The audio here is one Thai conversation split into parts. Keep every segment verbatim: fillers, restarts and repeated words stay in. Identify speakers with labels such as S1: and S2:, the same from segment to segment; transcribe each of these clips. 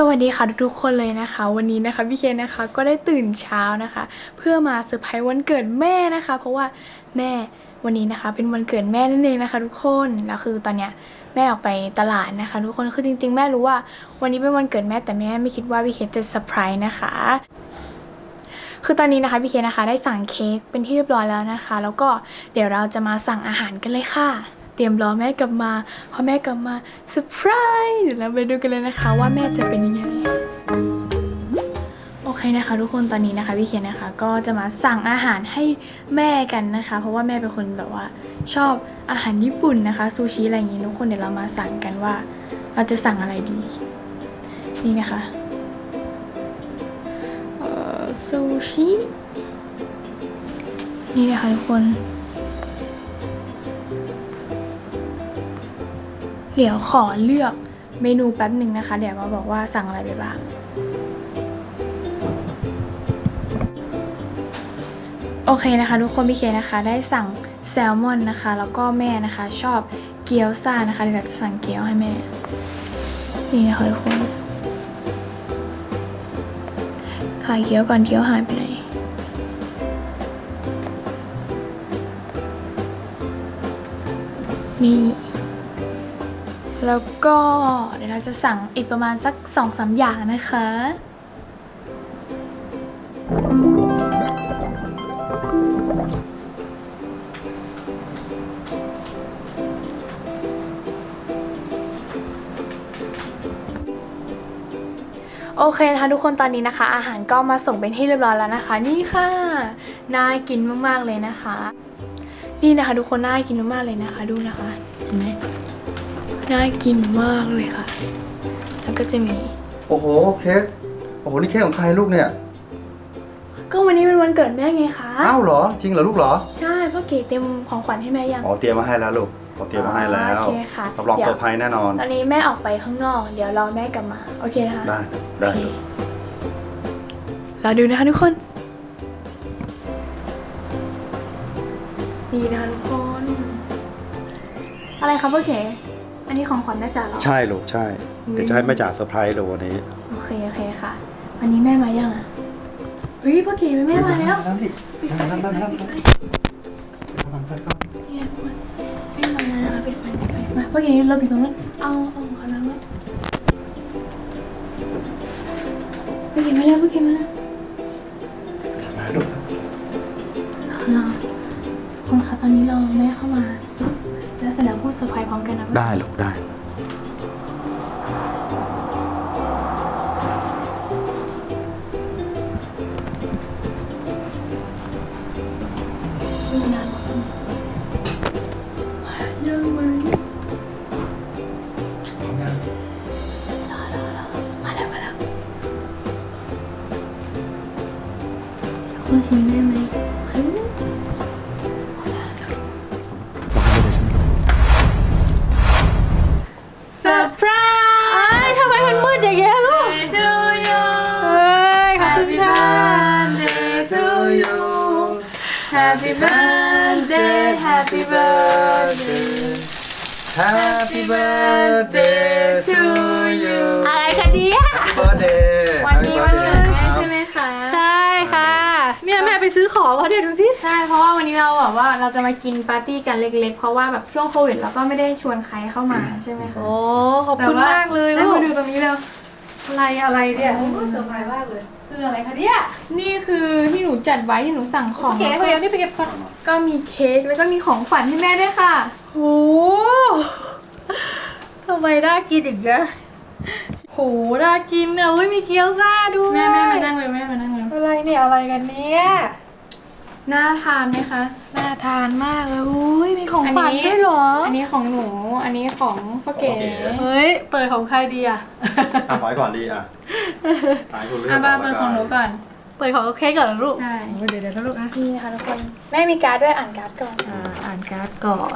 S1: วัสดีค่ะทุกๆคนเลยนะคะวันนี้นะคะพี่เคนนะคะก็ได้ตื่นเช้านะคะเพื่อมาเซอร์ไพรส์วันเกิดแม่นะคะเพราะว่าแม่วันนี้นะคะเป็นวันเกิดแม่นั่นเองนะคะทุกคนแล้วคือตอนเนี้ยแม่ออกไปตลาดนะคะทุกคนคือจริงๆแม่รู้ว่าวันนี้เป็นวันเกิดแม่แต่แม่ไม่คิดว่าพี่เคนจะเซอร์ไพรส์นะคะคือตอนนี้นะคะพี่เคนนะคะได้สั่งเค้กเป็นที่เรียบร้อยแล้วนะคะแล้วก็เดี๋ยวเราจะมาสั่งอาหารกันเลยค่ะเตรียมรอแม่กลับมาพอแม่กลับมาเซอร์ไพรส์เดี๋ยวเราไปดูกันเลยนะคะว่าแม่จะเป็นยังไงโอเคนะคะทุกคนตอนนี้นะคะพี่เคนนะคะก็จะมาสั่งอาหารให้แม่กันนะคะเพราะว่าแม่เป็นคนแบบว่าชอบอาหารญี่ปุ่นนะคะซูชิอะไรอย่างงี้ทุกคนเดี๋ยวเรามาสั่งกันว่าเราจะสั่งอะไรดีนี่นะคะเอ่อซูชินี่นะคะทุกคนเดี๋ยวขอเลือกเมนูแป๊บหนึ่งนะคะเดี๋ยวมาบอกว่าสั่งอะไรไปบ้างโอเคนะคะทุกคนพี่เคนะคะได้สั่งแซลมอนนะคะแล้วก็แม่นะคะชอบเกี๊ยวซ่านะคะเดี๋ยวจะสั่งเกี๊ยวให้แม่นี่นะคะทุกคนขายเกี๊ยวก่อนเกี๊ยวหายไปไหนนี่แล้วก็เดี๋ยวเราจะสั่งอีกประมาณสักสองสามอย่างนะคะโอเคนะคะทุกคนตอนนี้นะคะอาหารก็มาส่งเป็นที่เรียบร้อยแล้วนะคะนี่ค่ะน่ากินมากๆเลยนะคะนี่นะคะทุกคนน่ากินมากๆเลยนะคะดูนะคะเห็นไหมน่ากินมากเลยค่ะแล้วก็จะมี
S2: โอ้โหเค้กโอ้โหนี่เค้กของใครลูกเนี่ย
S1: ก็วันนี้เป็นวันเกิดแม่ไงคะ
S2: อ้าวเหรอจริงเหรอลูกเหรอ
S1: ใช่พ่อเก๋เตรียมของขวัญให้แม่ยัง
S2: อ๋อเตรียมมาให้แล้วลูกเขาเตรียมมาให้แล้ว
S1: โอเคค่ะ
S2: รับรองเซอร์ไพรส์แน่นอน
S1: ตอนนี้แม่ออกไปข้างนอกเดี๋ยวรอแม่กลับมาโอเคนะคะ
S2: ได้ได้
S1: เราดูนะคะทุกคนนี่นะคะทุกคนอะไรคะพ่อเก๋อันนี้ของขวัญแม่จ๋าเหรอ
S2: ใช่ลูกใช่เดี๋ยวจะให้แม่จ๋าเซอร์ไพรส์เลยวันนี้
S1: โอเคโอเคค่ะวันนี้แม่มายังอ่ะเฮ้ยพ่อเก๋แม่มาแล้ว
S2: นั่งดินั่งนั่งนั่งนั่งไปก่อน
S1: นี่ทุกคนแม่มาแล้วนะคะปิดไฟปิดไฟมาพ่อเก๋เราอยู่ตรงนั้นเอาเอาของเขาแล้วไหมพ่อเก๋มาแล้วพ่อเก๋มาแล้ว
S2: จะมาลูก
S1: รอรอคนคะตอนนี้เราแม่เข้ามาแล้วแสดงพูดเซอร์ไพรส์พร้อมกันนะ
S2: ได้ลูกได้
S1: นี่นะยังไหมรอรอรอมาแล้วมาแล้วคุณเห็นได้ไหมเซอร์ไพรส์ทำไมมันมืดอย่างเงี้ยลูก
S3: to you
S1: เฮ้ยขอบคุณ
S3: Happy
S1: ค่ะ
S3: birthday to you Happy birthday Happy birthday
S2: Happy birthday
S3: to you
S1: อะไรกันเนี่ย
S2: Happy birthday
S1: วันนี้วันเกิดแม่ใช่ไหมคะ
S3: ใช่ค่ะเนี่ยแม่ไปซื้อของเขาเดี๋ยวดูสิ
S1: ใช่เพราะว่าวันนี้เราแบบว่าเราจะมากินปาร์ตี้กันเล็กๆเพราะว่าแบบช่วงโควิดเราก็ไม่ได้ชวนใครเข้ามาใช่ไหมคะ
S3: โอ้ขอบคุณมากเลย
S1: แล้
S3: ลู
S1: ว
S3: ก
S1: มาดูตรงนี้เร็ว
S3: อะไรอะไรเนี่ยโอ้เซอร์ไพรส์มากเลยคืออะไรคะเนี่ย
S1: นี่คือที่หนูจัดไว้ที่หนูสั่งของ
S3: เก๋พยายามที่ไปเก็บก่อน
S1: ก็มีเค้กแล้วก็มีของขวัญให้แม่ด้วยค่ะ
S3: โอ้ทำไมน่ากินอีกนะโหน่ากินอ่ะเฮ้ยมีเกี๊ยวซ่าด้วย
S1: แม่แม่มานั่งเลยแม่มานั่งเลย
S3: อะไรเนี่ยอะไรกันเนี่ย
S1: น่าทานไหมคะ
S3: น่าทานมากเลยอุ้ยมีของขวัญด้วยเหรอ
S1: อันนี้ของหนูอันนี้ของพ่อเก๋
S3: เฮ้ยเปิดของใครดีอ่ะ
S2: อ่ะขอให้ก่อนดีอ่ะขายคุณเลือก
S1: อ่ะบ้าเปิดของหนูก่อน
S3: เปิดของเค้กก่อนเหรอลูก
S1: ใช่
S3: โอ้ยเดี๋ยวเดี๋ยวนะลูกนะ
S1: นี่นะคะทุกคนแม่มีการ์ดด้วยอ่านการ์ดก่อน
S3: อ่าอ่านการ์ดก่อน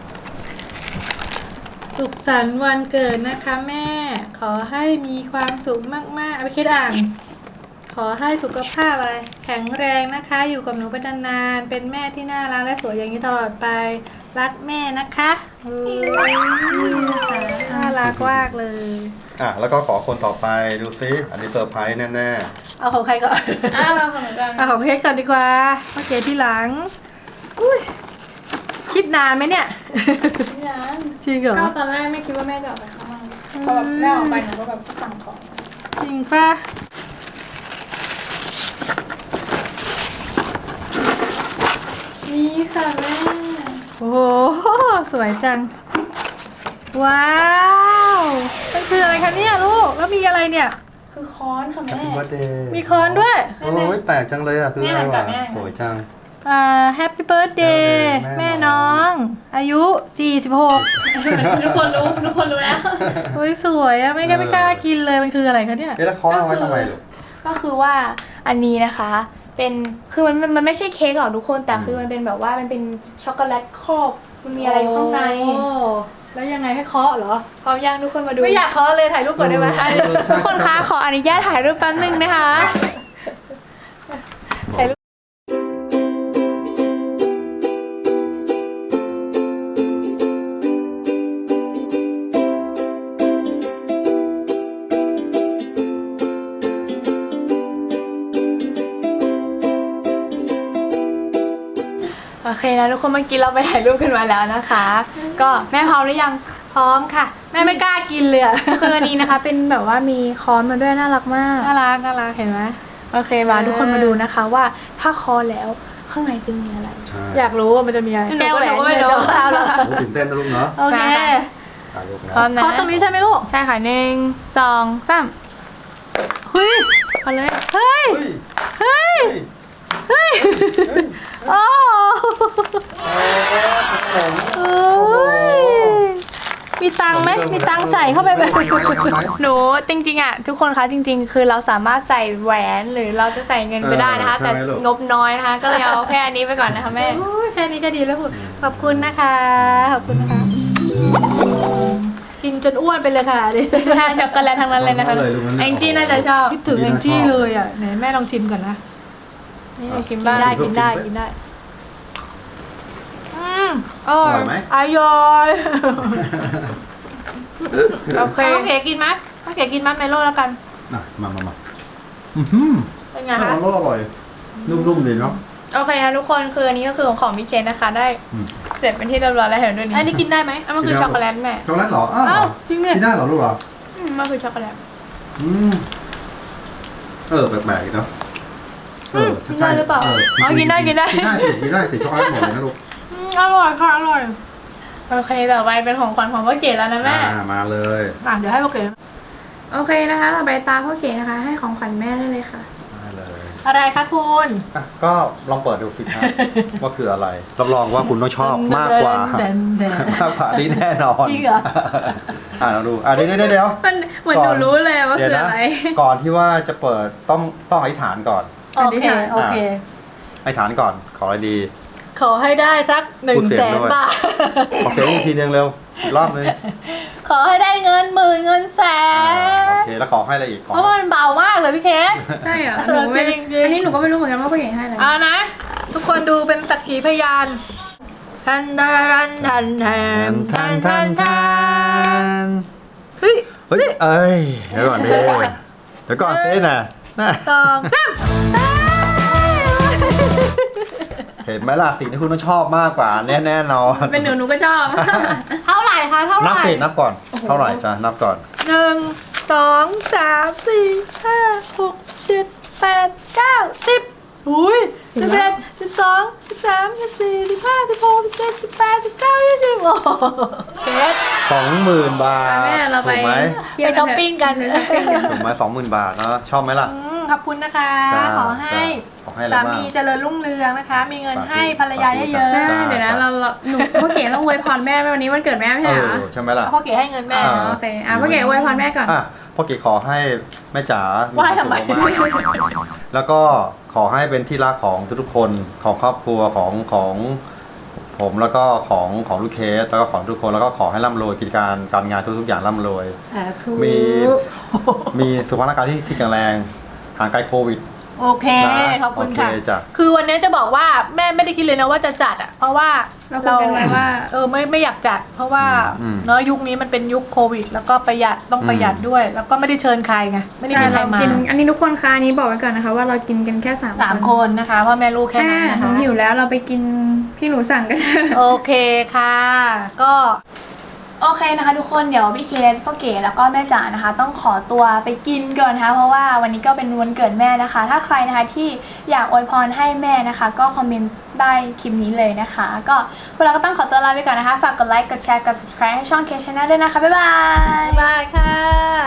S3: สุขสันต์วันเกิดนะคะแม่ ขอให้มีความสุขมากๆเอาไปคิดอ่านขอให้สุขภาพอะไรแข็งแรงนะคะอยู่กับหนูไปนานๆเป็นแม่ที่น่ารักและสวยอย่างนี้ตลอดไปรักแม่นะคะน่ารักมากเลย
S2: อ่ะแล้วก็ขอคนต่อไปดูซิอันนี้เซอร์ไพรส์แน่
S3: เอาของใครก่อน
S1: อ่ะเราของหนูกัน
S3: เอาของเค้กก่อนดีกว่าโอเคที่หลังอุ้ยคิดนานไหมเนี่ย
S1: ยัง
S3: จริงเหรอ
S1: ก็ตอนแรกไม่คิดว่าแม่จะออกไปข้างนอกพอแบบแม่ออกไปหนูก็แบบสั่งของ
S3: จริงป่ะ
S1: นี่ค่ะแม่
S3: โอ้โหสวยจังว้าวมันคืออะไรคะเนี่ยลูกแล้วมีอะไรเนี่ย
S1: คือค้อนค่ะ
S2: ๆ
S1: แม่
S2: Happy birthday
S3: มีค้อนด้วย
S2: โอ้ยแปลกจังเลยอ่ะคืออะไร
S1: แม่หันกลั
S2: วะ
S3: à,
S1: บแม่
S2: สวยจัง
S3: อ่าแฮปปี้เบิร์ดเดย์
S2: แม่
S3: แม่
S2: น้
S3: น้
S2: อ
S3: อง ง อายุสี่สิบหก
S1: ทุกคนรู้ทุกคนรู้แล้ว
S3: โอ้ยสวยอะไม่กล้าไม่กล้ากินเลยมันคืออะไรคะเนี่ย
S2: เอ๊ะแล้วเขาเอาไว้ทำไมลูก
S1: ก็คือว่าอันนี้นะคะ เป็นคือมันมันมันไม่ใช่เค้กหรอกทุกคนแต่คือมันเป็นแบบว่ามันเป็นช็อกโกแลตครอบมันมีอะไรอยู่ข้างใน
S3: โอ้แล้วยังไงให้เคาะเหรอ
S1: พร้อมยังทุกคนมาดู
S3: ไม่อยากเคาะเลยถ่ายรูปก่อนได้ไหม
S1: อ่ะทุกคนคะขออนุญาตถ่ายรูปแป๊บนึงนะคะ
S3: ถ่ายรูป
S1: โอเคนะทุกคนเมื่อกี้เราไปถ่ายรูปกันมาแล้วนะคะ ก็แม่พร้อมหรือยัง
S3: พร้อมค่ะ แม่ไม่กล้ากินเลยอะ
S1: คืออันนี้นะคะ เป็นแบบว่ามีค้อนมาด้วยน่ารักมาก
S3: น่ารักน่ารักเห็นไหม
S1: โอเคมาทุกคนมาดูนะคะว่าถ้าค้อนแล้วข้างในจะมีอะไร
S2: ใช่
S3: อยากรู้ว่ามันจะมีอะไร
S1: หนู
S3: แก้วแหวน
S1: ก็ไม่รู้
S3: เงินเอาเหรอ
S2: โอ้ตื่นเต้นนะลูกเนาะ
S3: โอเค
S2: ถ่ายรูปนะ
S1: พร้อมนะ
S3: เคาะตรงนี้ใช่ไหมลูก
S1: ใช่ค่ะหนึ่งสองสาม
S3: เฮ้ย
S1: เอาเลย
S3: เฮ้ย
S2: เฮ้ย
S3: เฮ้ย
S2: เฮ้ย
S3: โอ้
S2: ขนม
S3: เอ้ยมีตังค์ไหมมีตังค์ใส่เข้าไปแบบ
S1: หนูจริงๆอ่ะทุกคนคะจริง ๆ คือเราสามารถใส่แหวนหรือเราจะใส่เงินไปได้นะคะ แต่งบน้อยนะคะ ก็เลยเอาแค่อันนี้ไปก่อนนะคะแม่
S3: โอ้ยแค่นี้ก็ดีแล้วคุณขอบคุณนะคะ ขอบคุณนะคะ กินจนอ้วนไปเลยค่ะดิ
S1: ใช่ช็อกโกแลตทั้งนั้นเลยนะคะแองจี้น่าจะชอบ
S3: คิดถึงแองจี้เลยอ่ะไหนแม่ลองชิมก่อนนะ
S1: นี่หนูชิมบ้าง
S3: ได้กินได้กินได้ อืม
S1: อ
S2: อ
S1: ร่อ
S2: ร่อย ยไหม
S3: อร่อย
S1: โอเค
S3: เอาเก๋กินไหมเอาเก๋กินมัดเมโล่แล้วกัน
S2: อ่ะมามามาอือหือ
S3: เป็นไง
S2: อ
S3: คะ
S2: ร่อยอร่อย นุ่มๆดีเนาะ
S1: โอเคนะทุกคนคืออันนี้ก็คือของของพี่เคนนะคะ ได้
S2: อืม
S1: เสร็จเป็นที่เรียบร้อยแล้วเห็นด้วยนี่
S3: อันนี้กินได้ไหม
S1: อันมันคือช็อกโกแลตแม่
S2: ช็อกโกแลตเหรอ อ้าวเหร
S3: อ้า
S2: อ
S3: วจริงเนี่ย
S2: กินได้เหรอลูกเหรอ
S1: อืมมันคือช็อกโกแลต
S2: อืม เออแปลกๆอีกเนาะเออ
S3: กินได้หรือเปล่า
S2: จริงๆกินได้กินได้สิกินได้สิช็อกโกแลตหมดเลยนะลูก
S3: อืมอร่อยค่ะอร่อย
S1: โอเคต่อไปเป็นของขวัญของพ่อเก๋แล้วนะแม่
S2: อ่ามาเลย
S3: อ่ะเดี๋ยวให้โอเก๋
S1: โอเคนะคะต่อไปตาพ่อเก๋นะคะ ให้ของขวัญแม่ได้เลยค่ะ
S2: มาเลย
S3: อะไรคะคุณ
S2: อ่ะก็ลองเปิดดูสิครับ ว่าคืออะไร รับรองว่าคุณต้องชอบมากกว่า
S3: เดนเดน
S2: มากกว่านี้แน่นอน
S3: จริงเหรอ
S2: อ่าเราดู อ่ะเดี๋ยวเดี๋ยวเดี๋ยว
S1: มันเหมือนหนูรู้เลยว่าคืออะไร
S2: เดี๋ยวนะก่อนที่ว่าจะเปิดต้องต้องอธิษฐานก่อน
S3: โอเคโอเค
S2: อธิษฐานก่อน ขออะไรดี
S3: ขอให้ได้สักหนึ่
S2: พู
S3: ง
S2: ดเสี
S3: แส
S2: ยง
S3: น
S2: ด้วย
S3: บาท
S2: ขอเสียงอีกทีนึงเร็วอีกรอบนึง
S3: ขอให้ได้เงินหมื่นเงินแส
S2: อ่าน โอเค แล้วขอให้อะไรอีกขอ
S3: เพราะว่ามันเบามากเลยพี่เคส
S1: ใช่เหรอหนูไม่
S3: จริงๆ
S1: อันนี้หนูก็ไม่รู้เหมือนกันว่าพ่อเก๋ให้อะไร
S3: เอานะ ทุกคนดูเป็นสักขีพยานทันทันทันทันทันทันทันเฮ้ย
S2: เฮ้ย เอ้ย เดี๋ยวก่อนดิเดี๋ยวก่อนเฟ้น่ะน่ะ
S3: สองสาม
S2: เห็นไหมล่ะสิ่งที่คุณต้องชอบมากกว่าแน่แน่นอน
S1: เป็นหนูหนูก็ชอบ
S3: เท่าไหร่คะเท่าไห
S2: นับ
S3: ร่
S2: สินับก่อน เท่าไหร่จ้ะนับก่อน
S3: หนึ่งสองสามสี่ห้าหกเจ็ดแปดเก้าสิบอุ้ยสิบเอ็ดสิบสองสิบสามสิบสี่สิบห้าสิบหกสิบเจ็ดสิบแปดสิบเก้ายี่สิบโอ้โหเจ็ด
S2: สองหมื่นบาท
S1: แม่เราไป
S2: ถูกไหม
S1: เที่ยว
S3: ไปช้อปปิ้งกัน
S1: ไปช้อปปิ้งกัน
S2: ถูกไหมสองหมื่นบาทเนาะชอบไหมล่ะ
S3: อืมขอบคุณนะคะ
S2: จ้า
S3: ขอให้
S2: ขอให้อะไร
S3: สา
S2: บ้าง
S3: มีเจริญรุ่งเรืองนะคะ มีเงิน
S2: สาธุ
S3: ให้ภรรยาเยอะ
S1: แม่
S2: จ้า
S1: เดี๋ยวนะเราเราหนูพ่อเก๋ต้องอวยพรแม่ไหมวันนี้วันเกิดแม่ไม่
S2: เอ
S1: ใช่เหรอ
S2: อใช่ไหมล่ะ
S3: ๆพ่อเก๋ให้เงินแม่
S2: เอ
S1: โอเคอ่ะพ่อเก๋อวยพรแม่ก่อน
S2: อ่ะพ่อเก๋ขอให้แม่จ๋า
S3: ไหว้ทำไม
S2: ควาสุขมากๆแล้วก็ขอให้เป็นที่รักของทุกๆคนของครอบครัวของของผมแล้วก็ของของลูกเคสแล้วก็ของทุกคนแล้วก็ขอให้ร่ำรวยกิจการการงานทุกๆอย่างร่ำรวย
S3: สาธุ
S2: มี มีสุขภาพร่างกายที่ที่แข็งแรงห่างไกลโควิด
S3: โอเค
S2: นะ
S3: ขอบคุณค่ะ
S2: โอเคจ้ะ
S3: คือวันนี้จะบอกว่าแม่ไม่ได้คิดเลยนะว่าจะจัดอ่ะเพราะว่า
S1: เราคุยกันไว้ว่า
S3: เออไม่ไม่อยากจัด เพราะว่า
S2: อืม
S3: เนาะยุคนี้มันเป็นยุคโควิด แล้วก็ประหยัดต้องประหยัด
S2: อืม
S3: ด้วย แล้วก็ไม่ได้เชิญใครไงไม่ได้
S1: ใช่
S3: มีใคร
S1: เรา
S3: มา
S1: กินอันนี้ทุกคนคะอันนี้บอกไว้ก่อนนะคะว่าเรากินกันแค่สาม
S3: สามคนนะคะพ่อแม่ลูกแค่
S1: แม่
S3: นั้นนะ
S1: หนู
S3: คะ
S1: หิวแล้วเราไปกินที่หนูสั่งกัน
S3: โอเคค่ะ ก็
S1: โอเคนะคะทุกคนเดี๋ยวพี่เคสพ่อเก๋แล้วก็แม่จ๋านะคะ ต้องขอตัวไปกินก่อนนะคะเพราะว่าวันนี้ก็เป็นวันเกิดแม่นะคะ ถ้าใครนะคะที่อยากอวยพรให้แม่นะคะ ก็คอมเมนต์ได้คลิปนี้เลยนะคะ ก็พวกเราก็ต้องขอตัวลาไปก่อนนะคะฝากกดไลค์กดแชร์กด subscribe ให้ช่องเคสชาแนลด้วยนะคะบ๊ายบาย
S3: บ๊ายบายค่ะ